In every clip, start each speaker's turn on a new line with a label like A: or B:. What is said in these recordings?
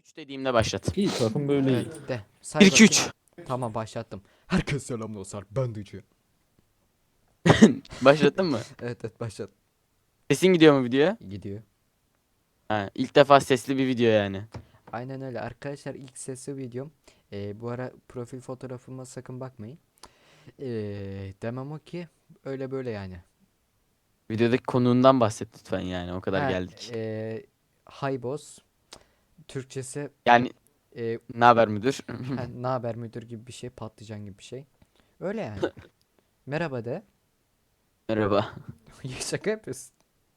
A: 3 dediğimde başlat.
B: İyi takım böyle iyi.
C: Evet de.
A: 1 2 3.
C: Tamam başlattım. Herkes selam dostlar. Ben Ducu.
A: Başlattın mı?
C: Evet başlat.
A: Sesin gidiyor mu videoya?
C: Gidiyor.
A: Ha, ilk defa sesli bir video yani.
C: Aynen öyle. Arkadaşlar ilk sesli videom. Bu ara profil fotoğrafıma sakın bakmayın. Demem o ki öyle böyle yani.
A: Videodaki konuğundan bahset lütfen yani o kadar
C: Ha,
A: geldik.
C: Hi boss. Türkçesi
A: Yani ne haber müdür?
C: ne haber müdür gibi bir şey, patlıcan gibi bir şey. Öyle yani. Merhaba de.
A: Merhaba.
C: Şaka yapıyorsun.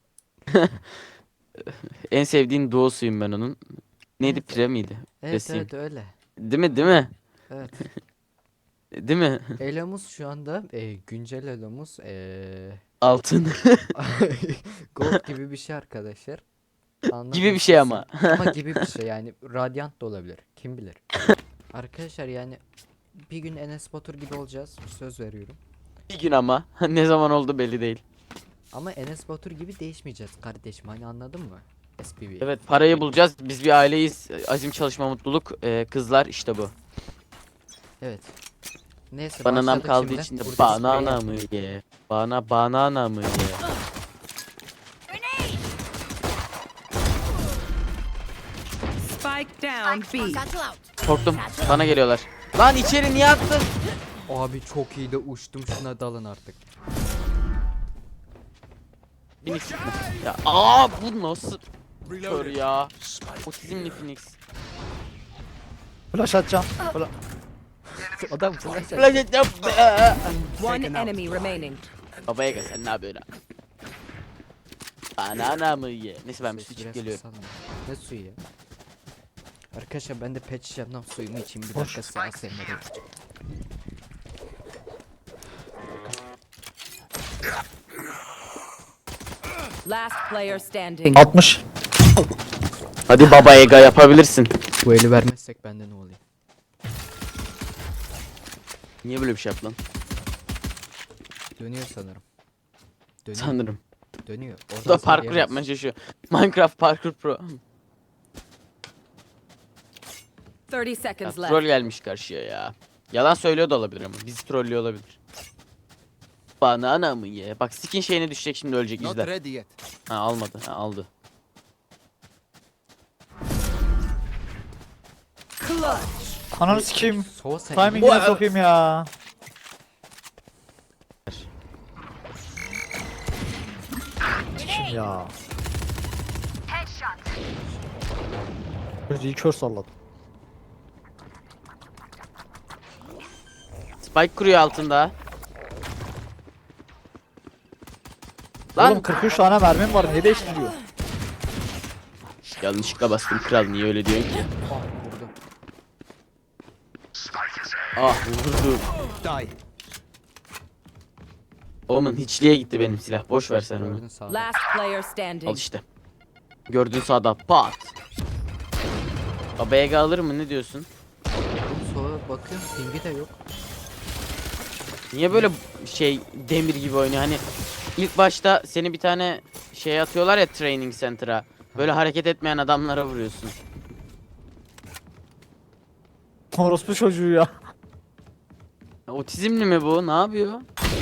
A: En sevdiğin duosuyum ben onun. Neydi,
C: Evet.
A: Pire miydi?
C: Evet
A: Resim.
C: evet öyle.
A: Değil mi, değil mi?
C: Evet.
A: Değil mi?
C: Elomuz şu anda güncel elomuz
A: Altın
C: gold gibi bir şey arkadaşlar.
A: gibi bir şey ama.
C: Ama gibi bir şey yani radyant da olabilir. Kim bilir. Arkadaşlar yani bir gün Enes Batur gibi olacağız. Söz veriyorum.
A: Bir gün ama. Ne zaman oldu belli değil.
C: Ama Enes Batur gibi değişmeyeceğiz kardeşim. Hani anladın mı? SPV.
A: Evet, parayı bulacağız. Biz bir aileyiz. Azim, çalışma, mutluluk. Kızlar işte bu.
C: Evet. Neyse
A: Bananam
C: başladık
A: kaldı
C: şimdi.
A: içinde.
C: Burada
A: Banana
C: sprey
A: mı ye? Banana mı ye?
D: Spike down B.
A: Korktum. Bana geliyorlar. Lan içeri niye attın?
C: Abi çok iyi de uçtum, şuna dalın artık.
A: Phoenix. Ya bu nasıl kör ya? Otizmli Phoenix.
B: Flash atacağım.
C: Adam flash at-
A: Flash et yap.
D: One enemy remaining.
A: Babaya gel, sen ne yapıyorsun? Banana mı ye? Neyse ben bir su
C: Ses
A: içip
C: biraz
A: geliyorum.
C: kısalım. Ne suyu ya? Arkadaşlar ben de pet şişemden suyumu içeyim bir
B: Hoş.
C: dakika, sağ sevmedim.
D: Last player standing.
B: 60.
A: Hadi baba Ega, yapabilirsin.
C: Bu eli vermezsek bende ne oluyor?
A: Niye böyle bir şey yaptın?
C: Dönüyor sanırım. Dönüyor.
A: Sanırım.
C: Dönüyor.
A: Bu da
C: Oradan
A: parkur
C: sarıyamaz.
A: yapmaya çalışıyor. Minecraft Parkur Pro.
D: 30
A: Ya,
D: seconds
A: troll
D: left.
A: gelmiş karşıya ya. Yalan söylüyor da olabilir ama. Bizi trollüyor olabilir. Banana mı ye? Bak skin şeyine düşecek, şimdi ölecek, izle. Ha, almadı. Ha, aldı.
B: Ananı sikeyim.
C: Sova sen.
B: Timing'ine sokayım ya. Kim ya? Gözü kör salladı.
A: Spike kuruyor altında. Lan
B: Oğlum 43 tane mermim var, ne değiştiriyor?
A: yanlışlıkla bastım kral, niye öyle diyorsun ki?
C: Ah vurdum.
A: Ah vurdum. Oğlum hiçliğe gitti benim silah. Boş ver sen onu.
C: Gördün sağda.
D: Last player
A: Al
D: standing.
A: işte. Gördüğün sağda pat. Baba Ega alır mı, ne diyorsun?
C: Sova bakıyorum pingi de yok.
A: Niye böyle şey demir gibi oynuyor? Hani ilk başta seni bir tane şey atıyorlar ya, training center'a. Böyle hareket etmeyen adamlara vuruyorsun.
B: Orospu çocuğu ya.
A: Otizmli mi bu? Ne yapıyor?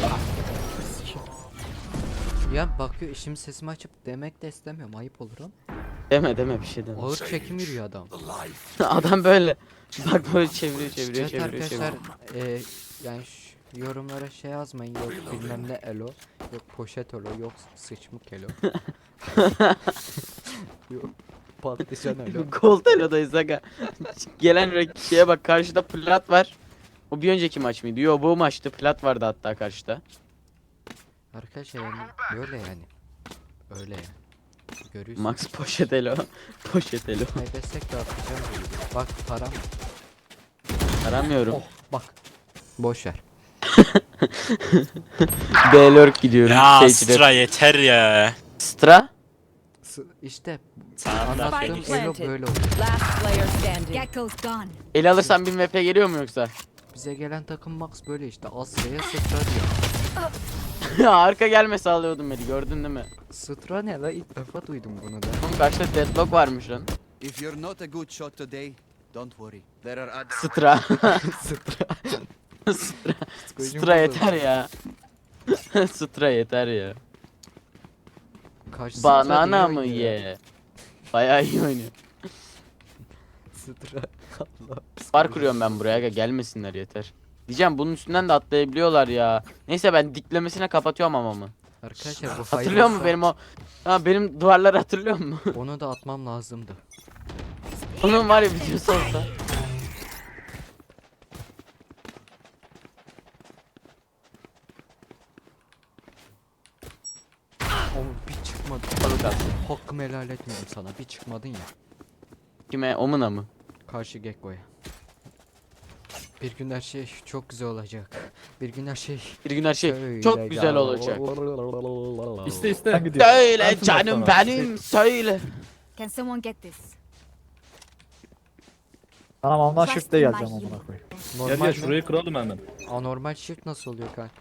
C: Ya bakıyor, şimdi sesimi açıp demek de istemiyorum, ayıp olur ama.
A: Deme bir şey deme.
C: Ağır çekim yürüyor adam.
A: Adam böyle bak, böyle çeviriyor
C: Evet arkadaşlar
A: çeviriyor.
C: yani yorumlara şey yazmayın, yok bilmem ne elo, yok poşet elo, yok sıçmık elo. Yok patlıcan elo.
A: Gold Elo'dayız aga. Gelen şeye bak, karşıda plat var. O bir önceki maç mıydı? Yo, bu maçtı. Plat vardı hatta karşıda.
C: Arkadaşlar yani böyle yani. Öyle yani. Görüyorsun.
A: Max poşet Elo. Poşet Elo.
C: Kaybetsek de atacağım böyle. Bak param.
A: Aramıyorum.
C: Oh bak. Boş ver.
A: B-Lurk gidiyorum.
E: Ya
A: Sage'de.
E: Astra yeter ya.
A: Stra?
C: İşte
E: Sana
C: anlattığım
D: Phoenix.
C: elo böyle olur.
D: Last player standing.
F: Gecko's gone.
A: El alırsan bir MP geliyor mu yoksa?
C: Bize gelen takım Max böyle işte. Asya'ya Sıtra diyor.
A: Ya arka gelme sağlıyordum beni, gördün değil mi?
C: Sıtra ne la, ilk defa duydum bunu da.
A: Oğlum karşıda deadlock varmış lan.
E: If you're not a good shot today, don't worry. There are other.
A: Sıtra.
C: Sıtra.
A: Sıtra. Sıtra yeter ya. Sıtra yeter ya.
C: Kaç sıtra
A: Banana
C: diyor
A: mı
C: ya.
A: ye? Bayağı iyi oynuyor.
C: Sıtra. Allah.
A: Bar kuruyorum ben buraya. Gelmesinler yeter. Diyeceğim bunun üstünden de atlayabiliyorlar ya. Neyse ben diklemesine kapatıyorum amamı.
C: Arkadaşlar bu
A: Hatırlıyor musun benim o? Ha benim duvarları hatırlıyor musun?
C: Onu da atmam lazımdı.
A: Onun var ya videosu olsa.
C: O bir çıkmadı.
A: Balık attı.
C: Hakkımı helal etmiyorum sana. Bir çıkmadın ya.
A: Kime? Omuna mı?
C: Karşı Gekko'ya. Bir gün her şey çok güzel olacak. Bir gün her şey
A: Bir gün her şey
C: şöyle
A: çok güzel olacak.
B: İste iste. Ben gidiyorum.
A: Söyle
B: Ben
A: canım
B: sana.
A: benim söyle.
F: Can someone get this?
B: Tamam ondan
F: Trust
B: shift'e
F: in my
B: geleceğim
F: hero.
B: amına koyayım.
G: Gel
C: normal
G: gel şurayı kıralım hemen.
C: anormal shift nasıl oluyor kanka?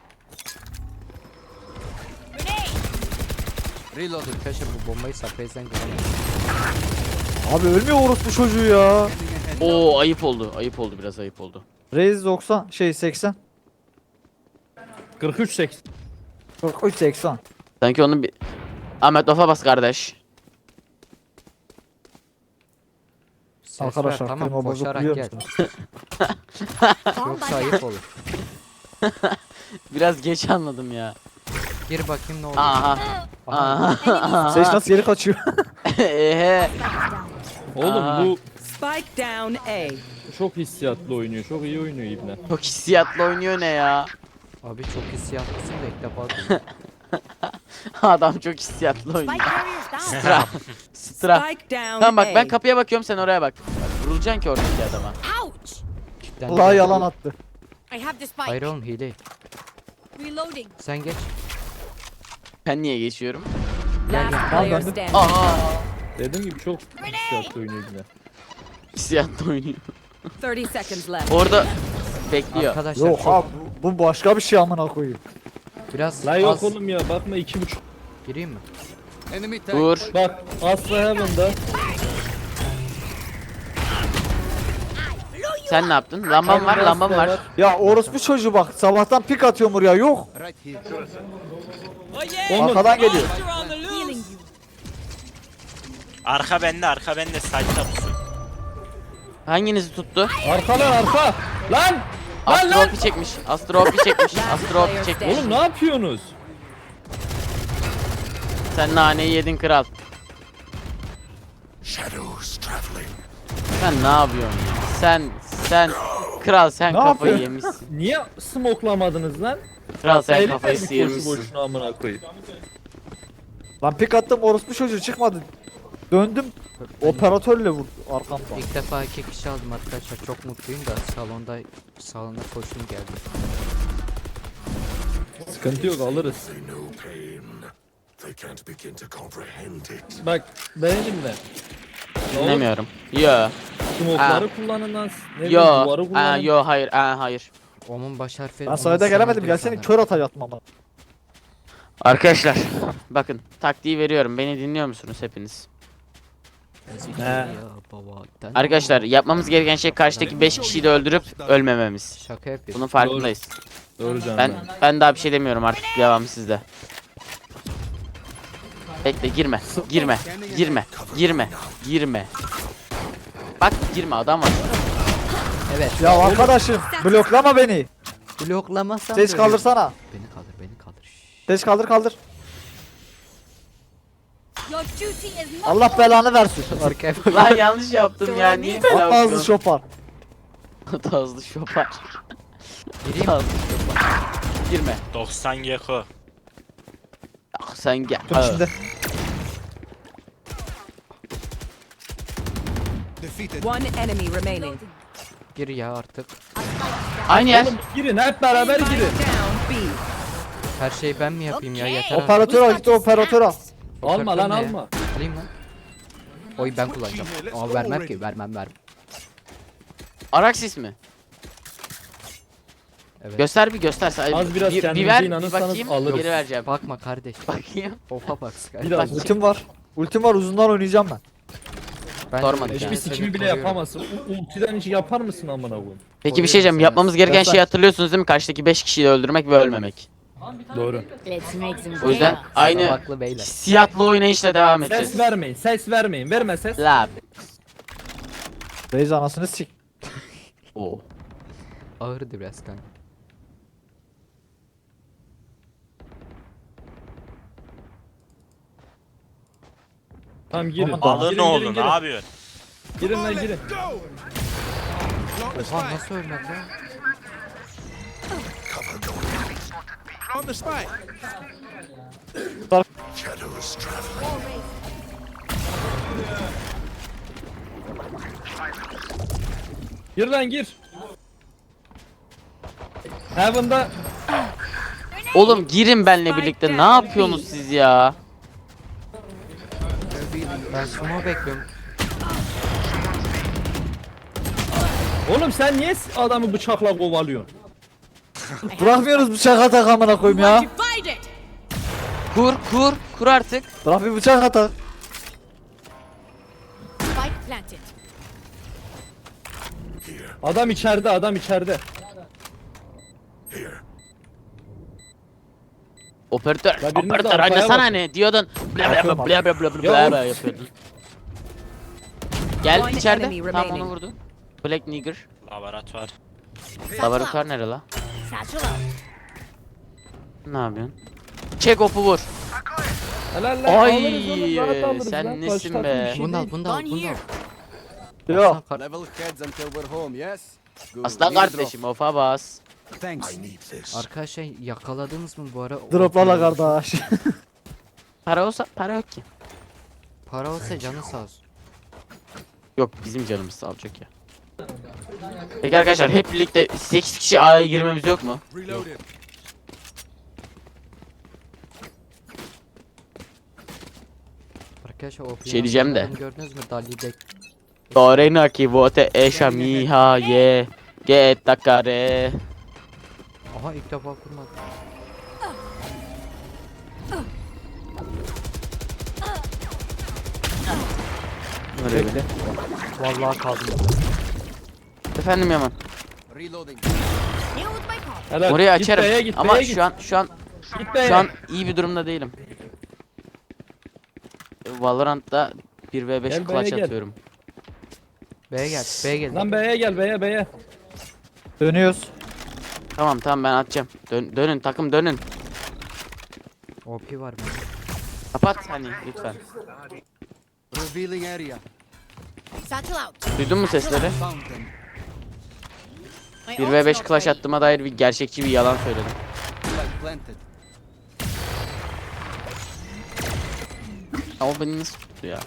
E: Reloading.
C: Arkadaşlar bu bombayı Surprise'den görüyorum.
B: Abi ölmüyor orospu çocuğu ya.
A: Oo ayıp oldu. Ayıp oldu biraz ayıp oldu.
B: Raze 90 şey 80.
G: 43 80.
B: 43 80.
A: Sanki onun bir... Ahmet Ofa bas kardeş.
C: Ses
B: Arkadaşlar
C: ver, tamam
B: klima bozuk
C: koşarak
B: biliyor
C: gel.
B: musunuz?
C: Yoksa ayıp olur.
A: Biraz geç anladım ya.
C: Gir bakayım ne oluyor.
A: Aha. Aha.
B: Seç nasıl geri kaçıyor?
A: Ehe.
G: Oğlum
A: Aa.
G: bu
D: Spike down A.
G: çok hissiyatlı oynuyor. Çok iyi oynuyor İbne.
A: Çok hissiyatlı oynuyor ne ya?
C: Abi çok hissiyatlısın da ilk defa duydum.
A: Adam çok hissiyatlı
F: Spike
A: oynuyor.
F: carriers down.
A: Sıra. Sıra.
D: Spike down
A: Tamam bak
D: A.
A: ben kapıya bakıyorum sen oraya bak. Vurulacaksın ki oradaki adama.
F: Ouch!
C: Cidden
B: Allah
C: de-
B: yalan attı.
F: I have the spike.
C: Hayır oğlum hile.
F: Reloading.
C: Sen geç.
A: Ben niye geçiyorum?
D: Last
C: Gel,
D: player
B: ben de-
D: standing.
A: Aa.
G: Dediğim gibi çok hissiyatlı oynuyor İbne.
A: Hissiyatlı oynuyor.
D: 30 seconds left.
A: Orada bekliyor.
C: Arkadaşlar
B: Yok
C: çok-
B: abi bu başka bir şey amına koyayım.
C: biraz
G: La yok
C: az
G: oğlum ya bakma 2.5.
C: gireyim mi?
E: Enemy tag.
A: Vur.
G: Bak Asla Heaven'da.
A: Sen ne yaptın? Lambam var, lambam var.
B: Ya orospu çocuğu bak sabahtan pik atıyor buraya yok.
E: Right here.
G: Oğlum
B: Arkadan geliyor.
F: Healing you.
H: Arka bende side'da pusu.
A: Hanginizi tuttu?
G: arka lan arka. Lan!
A: Astropi çekmiş. Astropi çekmiş. Astropi çekmiş.
G: Oğlum ne yapıyorsunuz?
A: Sen naneyi yedin kral. Sen ne yapıyorsun ya? Sen kral sen
B: Ne
A: kafayı
B: yapıyor?
A: yemişsin.
G: Niye smoklamadınız lan?
A: Kral sen
G: Eğlenmedik
A: kafayı
G: boşu
A: sıyırmışsın.
G: boşuna amına koyayım.
B: Lan pik attım orospu çocuğu çıkmadı. Döndüm operatörle vurdu arkamdan.
C: İlk defa 2 kişi aldım arkadaşlar. Çok mutluyum da salonda koştum geldim.
G: Sıkıntı yok alırız. Bak beğendin mi?
A: Dinlemiyorum. Yo.
G: Smoke'ları
A: Aa.
G: kullanın lan. Ne bileyim,
A: Yo.
G: duvarı
A: Aa,
G: kullanın.
A: yo hayır. Aa, hayır.
C: Onun baş harfi.
B: Ben
C: onun
B: sayıda gelemedim
C: sınırı
B: gelsene
C: sana.
B: kör atacaktım ama.
A: Arkadaşlar bakın taktiği veriyorum. Beni dinliyor musunuz hepiniz?
C: Ya baba, sen-
A: Arkadaşlar yapmamız gereken şey karşıdaki 5 kişiyi de öldürüp ölmememiz.
C: Şaka yapıyorsun.
A: Bunun farkındayız.
G: Doğru canım.
A: Ben daha bir şey demiyorum artık devam sizde. Bekle girme. Girme. Bak girme adam var.
C: Evet.
B: Ya arkadaşım bloklama beni.
C: Bloklamasan
B: Ses
C: da
B: kaldırsana.
C: Beni kaldır. Şşş.
B: Ses kaldır.
F: Your duty is not
B: Allah belanı versin.
C: Arkaya bak.
A: Lan yanlış yaptım ya. Niye böyle
B: At ağzı şopar.
A: Tazlı şopar.
C: Gireyim mi?
A: Tazlı şopar. Girme.
H: 90 Gecko.
A: Ah, sen gel.
B: Dur şimdi.
E: Defeated.
D: One enemy remaining.
C: Gir ya artık.
A: Aynı yer.
G: Oğlum girin hep beraber girin.
D: Down B.
C: Her şeyi ben mi yapayım ya?
F: Okay.
C: Yeter artık.
B: Operatör al git operatör al.
G: Alma lan
C: Ne ya?
G: alma.
C: Alayım lan. Oy ben kullanacağım. Ama vermem ki. Vermem.
A: Araksis mi?
C: Evet.
A: Göster bir göster.
G: Az biraz
A: bir
G: kendinize
A: ver bir
G: inanırsanız
A: bakayım.
G: alırız.
A: Geri vereceğim.
C: Bakma kardeş.
A: Bakayım.
C: Ofa bak Sky.
G: Biraz.
A: Bak.
B: Ultim var. Ultim var uzundan oynayacağım ben.
C: Ben
A: Sormadık
C: de-
A: yani.
G: Hiçbir sikimi bile yapamazsın. Ultiden hiç yapar mısın amına koyayım?
A: Peki bir şey diyeceğim. Yapmamız gereken şeyi hatırlıyorsunuz değil mi? Karşıdaki 5 kişiyi öldürmek ve ölmemek.
G: Doğru.
F: Let's make some
A: O yüzden
F: chaos.
A: aynı
C: Haklı beyler.
A: hissiyatlı oynayışla devam edeceğiz.
G: Ses vermeyin. Ses vermeyin. Verme ses.
A: Lab.
B: Reis anasını sik.
A: Oo.
C: Ağırdı biraz kanka.
G: Tamam girin.
H: Alın
G: Girin,
H: oğlum
G: girin,
H: ne
G: girin.
H: yapıyorsun?
G: Girin lan girin.
C: Oha nasıl ölmedi lan?
G: Gir lan gir. Heaven'da
A: Oğlum girin benle birlikte. Ne yapıyorsunuz siz ya?
C: Ben sumo bekliyorum.
G: Oğlum sen niye adamı bıçakla kovalıyorsun?
B: Bırakmıyoruz bıçak atak amına koyayım ya.
F: Divide it.
A: Kur artık.
B: Bırak bir bıçak atak.
F: Spike planted.
G: Adam içeride, adam içeride.
A: Operatör,
G: Ya biriniz de
A: operatör
G: arkaya
A: oynasana
G: bak.
A: hani diyordun. Bla bla bla bla bla bla bla
G: Ya
A: bla yapıyordun. Gel
D: One
A: içeride.
D: enemy
A: Tamam onu
D: remaining.
A: vurdu. Black Nigger.
H: Laboratuvar.
A: Laboratuvar nere la?
F: Satchel out.
A: Ne yapıyorsun? Çek opu vur.
G: Helal lan.
A: Ay,
G: alırız oğlum, rahat alırız
A: sen
G: lan.
A: nesin
G: Karşı takım
A: be?
G: bir şey
C: Bunu al
G: değil.
C: bunu da al bunu da al.
B: Yok.
C: Kar-
E: Level heads until we're home, yes? Good.
A: Aslan
E: Need a drop.
A: kardeşim ofa bas.
E: Thanks.
C: Arkadaşlar yakaladınız mı bu ara?
B: Droplarla kardeş.
A: Para olsa para yok ki.
C: Para olsa canı sağ olsun.
A: Yok bizim canımız sağ olacak ya. Peki arkadaşlar hep birlikte 8 kişi A'ya girmemiz yok mu?
E: Reloaded.
C: Arkadaşlar o
A: Şey diyeceğim de.
C: gördünüz mü? Dali Dek.
A: Dorena ki vote eşa miha ye. Get takare.
C: Aha ilk defa kurmadım.
B: Bekle.
C: Vallahi kaldım.
A: Efendim Yaman.
E: Reloading.
F: Deal with my call.
G: Helal.
A: Orayı
G: Git
A: açarım
G: B'ye git,
A: ama
G: B'ye git. Git B'ye.
A: şu an iyi bir durumda değilim. Valorant'ta 1v5
G: Gel,
A: clutch
G: B'ye gel.
A: atıyorum.
C: B'ye gel. B'ye gel.
G: Lan B'ye gel B'ye B'ye.
B: Dönüyoruz.
A: Tamam ben atacağım. Dönün takım dönün.
C: OP var mı?
A: Kapat hani lütfen.
E: Revealing area.
F: Satchel out.
A: Duydun mu sesleri?
E: Found them.
F: My
A: 1v5
F: ult's not
A: clutch
F: ready.
A: attığıma dair bir gerçekçi bir yalan söyledim.
E: Spike planted.
A: Ama beni nasıl tuttu ya?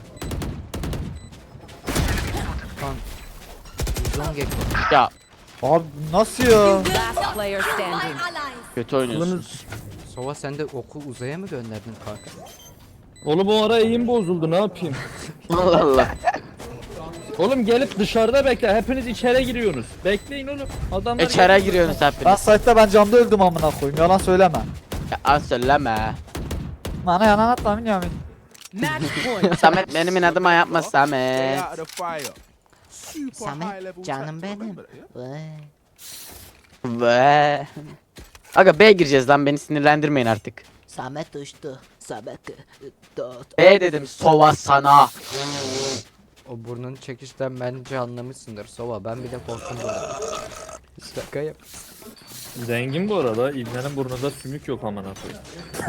C: Uzun gekko.
A: Ya
B: Abi nasıl ya?
D: Last player
F: My
D: standing.
F: allies.
A: kötü oynuyorsunuz.
C: Sova sen de oku uzaya mı gönderdin kanka?
G: Oğlum o ara eğim bozuldu ne yapayım?
A: Allah Allah.
G: Oğlum gelip dışarıda bekle. Hepiniz içeri giriyorsunuz. Bekleyin oğlum. Adamlar
A: İçeri giriyorsunuz
B: Ben
A: hepiniz.
B: site'da ben camda öldüm amına koyayım. Yalan söyleme.
A: Ya az söyleme.
B: Bana yalan atma Yamin.
D: Match point.
A: Samet benim adıma yapma Samet.
C: Samet canım benim.
A: Ve aga B gireceğiz lan beni sinirlendirmeyin artık.
C: Samet uçtu. Samet dot.
A: B dedim sova sana.
C: O burnunu çekişten bence anlamışsındır Sova. Ben bile korktum burada. Şaka yap.
G: Zengin bu arada. İbnenin burnunda sümük yok amına koyayım.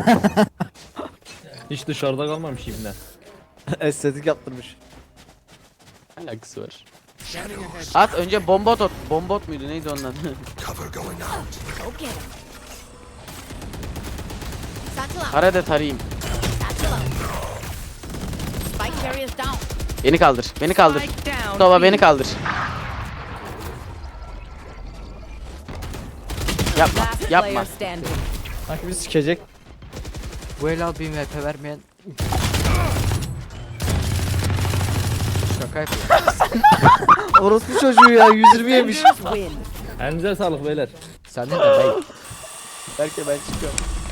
G: Hiç dışarıda kalmamış ibne.
B: Estetik yaptırmış.
A: Alakası var. At önce bombot at. Bombot muydu neydi onun adı?
F: Okay. Satchel out.
A: Kara da tarayayım.
F: Satchel out. Spike carriers down.
A: Beni kaldır. Beni kaldır.
D: Spike down.
A: Sova beni kaldır. Yapma.
D: Last
A: Yapma.
D: player standing.
B: Sanki bizi sikecek.
C: Bu el al bir MP vermeyen. Şaka yapıyor.
B: Orospu çocuğu ya 120 yemiş.
D: Win.
G: Elinize sağlık beyler.
C: Sen de de bey.
A: Belki ben çıkıyorum.